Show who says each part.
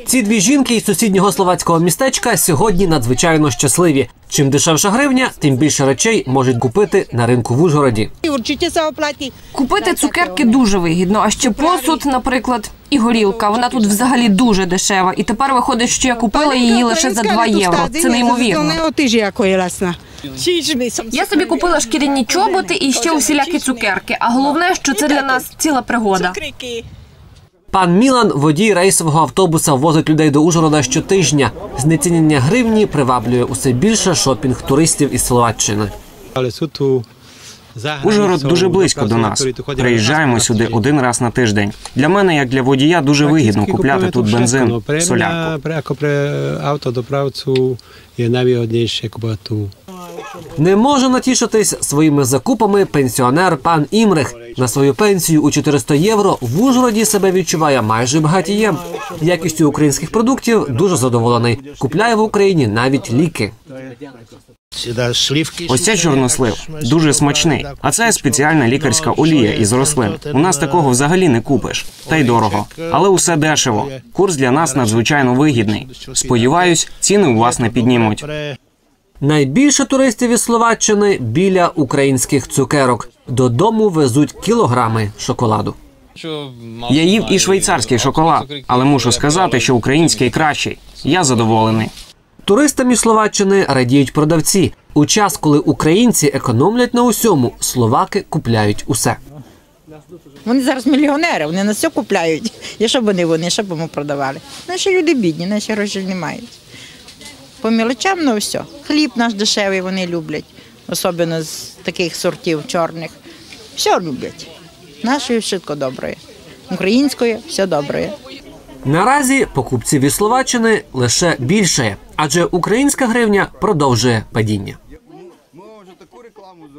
Speaker 1: Ці дві жінки із сусіднього словацького містечка сьогодні надзвичайно щасливі. Чим дешевша гривня, тим більше речей можуть купити на ринку в Ужгороді.
Speaker 2: Купити цукерки дуже вигідно, а ще посуд, наприклад, і горілка. Вона тут взагалі дуже дешева. І тепер виходить, що я купила її лише за 2 євро. Це неймовірно. Я собі купила шкіряні чоботи і ще усілякі цукерки. А головне, що це для нас ціла пригода.
Speaker 1: Пан Мілан, водій рейсового автобуса, возить людей до Ужгорода щотижня. Знецінення гривні приваблює усе більше шопінг туристів із Словаччини.
Speaker 3: Ужгород дуже близько до нас. Приїжджаємо сюди 1 раз на тиждень. Для мене, як для водія, дуже вигідно купляти тут бензин, солярку.
Speaker 1: Не може натішитись своїми закупами пенсіонер пан Імрих. На свою пенсію у 400 євро в Ужгороді себе відчуває майже багатієм. Якістю українських продуктів дуже задоволений. Купляє в Україні навіть ліки.
Speaker 3: Ось це чорнослив. Дуже смачний. А це спеціальна лікарська олія із рослин. У нас такого взагалі не купиш. Та й дорого. Але усе дешево. Курс для нас надзвичайно вигідний. Сподіваюсь, ціни у вас не піднімуть.
Speaker 1: Найбільше туристів із Словаччини біля українських цукерок. Додому везуть кілограми шоколаду.
Speaker 3: Я їв і швейцарський шоколад, але мушу сказати, що український кращий. Я задоволений.
Speaker 1: Туристам із Словаччини радіють продавці. У час, коли українці економлять на усьому, словаки купляють усе.
Speaker 4: Вони зараз мільйонери, вони на все купляють. І що б вони, що б ми продавали? Наші люди бідні, наші гроші не мають. По мілочам, ну все. Хліб наш дешевий вони люблять, особливо з таких сортів чорних. Все люблять. Нашої швидко добре. Української все добре.
Speaker 1: Наразі покупців із Словаччини лише більше, адже українська гривня продовжує падіння.